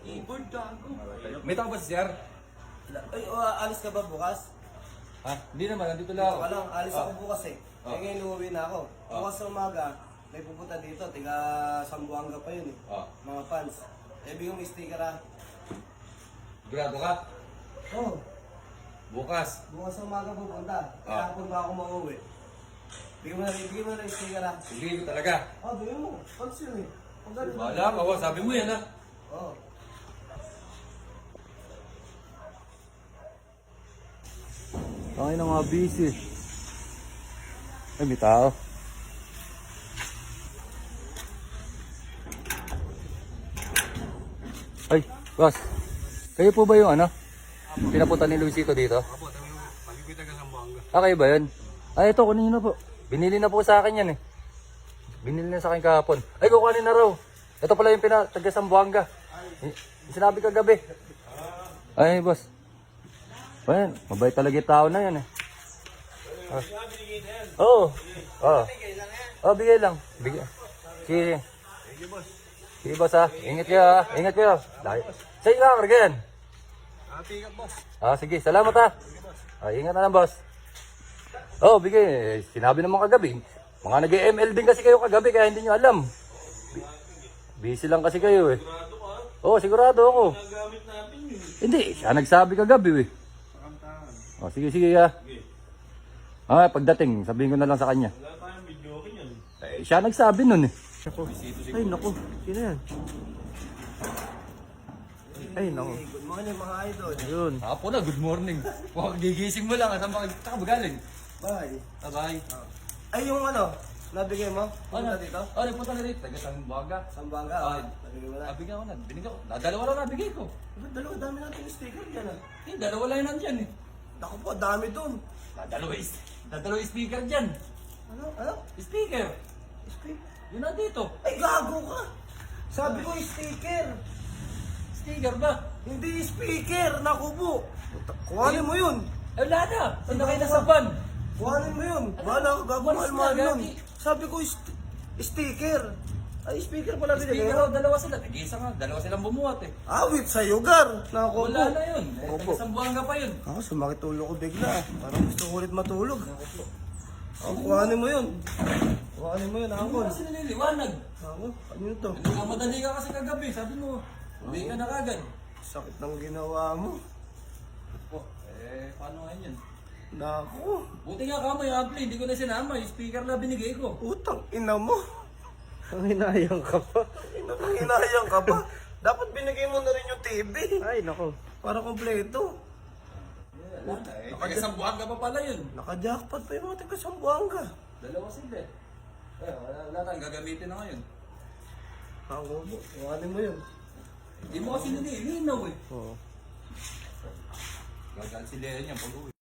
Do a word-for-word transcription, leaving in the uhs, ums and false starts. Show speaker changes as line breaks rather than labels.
Keyboard gago.
May tao ba si Sir?
Ay, uh, alis ka ba bukas?
Ha? Hindi naman, nandito lang ako.
Wala lang, alis
Ah.
ako bukas eh.
Ah.
Eh ngayon uuwi na ako.
Ah.
Bukas sa umaga, may pupunta dito, tiga Sambuanga pa yun eh.
Ah.
Mga fans. Eh, bigyan mo yung sticker ah.
Grado ka?
Oh,
Bukas.
bukas sa umaga pupunta.
Ah.
Kahapon ba ako mauwi? Bigyan mo na, bigyan mo na yung sticker ah.
Sige ko talaga.
Oh, bigyan mo. Fans yun eh. Ang galing.
Wala ka, wa. Sabi mo yan ha.
Oh.
Ay, na mga busy. Ay, may tao. Ay, boss. Kayo po ba yung ano? Pinapunta ni Luisito dito?
Apo, pag-ibig taga Sambuanga.
Ah, kayo ba yun? Ay, ito, kunin na po. Binili na po sa akin yan eh. Binili na sa akin kahapon. Ay, kukunin na raw. Ito pala yung pina, taga Sambuanga. Eh, Sinabi kagabi. Ay, boss. Ayan, mabait talaga yung tao na yan eh. Ah. Oo. Oo. Oh, bigay lang. Bigay. Sige. Sige, boss ha. Ingat kayo ha. Ingat kayo. Dahil. Sa'yo ka, karga yan.
Ah, pick up boss.
Ah, sige. Salamat ha. Ah, ingat na lang, boss. Oh, bigay. Sinabi naman kagabi. Mga nag-M L din kasi kayo kagabi kaya hindi nyo alam. B- Busy lang kasi kayo eh. Oo, oh, sigurado ako.
Nagamit natin yun.
Hindi, siya nagsabi kagabi eh. Oh, sige, sige ha. Ah, pagdating, sabihin ko na lang sa kanya.
Wala tayong video okay yan.
Eh, siya nagsabi nun eh. Ay, naku. Sino yan? Ay, naku.
Hey, good morning mga idol.
Ayun.
Apo na, good morning. Huwag gigising mo lang. Saan ba ka ba galing?
Bye.
Ah, bye.
Ay, yung ano, nabigay mo? Pupunta
Ano?
dito?
Oh, nagpunta na dito. Taga Sambuanga.
Sambuanga.
Ah,
Oh, nabigay mo na.
Nabigyan ko na. Binigyan ko. Na, dalawa lang nabigay ko.
Ba't dalawa dami natin yung sticker dyan ah?
Eh, dalawa lang yun nandyan eh.
Naku po, dami dun.
Na, dalawa is, na, dalawa is speaker dyan.
Ano? Ano?
Speaker.
Sticker?
Yun nandito.
Ay, gago ka! Sabi ko sticker!
Sticker ba?
Hindi speaker! Naku po! Kuhanin mo yun!
Eh, wala na. Saan na kayo nasa van?
Kuhanin mo yun! Wala ako gago
Walis
mahal-mahal
na,
nun.
gagi.
Sabi ko st- sticker! Ay, speaker pala binigay
Speaker
mo.
raw, dalawa sila. Nag-iisa nga. Dalawa silang bumuhat eh.
Awit sa yugar! Naku po!
Wala na yun. Eh,
Opo.
taga Sambuanga pa yun.
Ako, sumakit ulo ko bigla. Parang gusto ko ulit matulog. Ako, kuhanin mo yun. Kuhanin mo yun,
Ano
Angkol.
kasi nililiwanag?
Ako, ano yun to?
Nagkamadali ka kasi kagabi. Sabi mo, uwi ka na kagad.
Sakit ng ginawa mo.
Oh, eh, paano nga yun?
Naku,
Buti nga ka mo yung ampli. Hindi ko na sinama. Yung speaker na binigay ko.
utang ina mo.
Ang hinayang ka pa.
Hinayang ka pa. Dapat binigay mo na rin yung T V.
Ay, naku.
Para kompleto.
Wala na eh. Taga Sambuanga pa pala yun.
Naka-jackpot pa yung mga taga Sambuanga.
Dalawa sila eh. Eh, wala, wala tayong gagamitin na ngayon.
Ako po, kuhanin mo yun.
Hindi mo kasi nililinaw eh.
Oo.
Gagal sila yan pag uwi.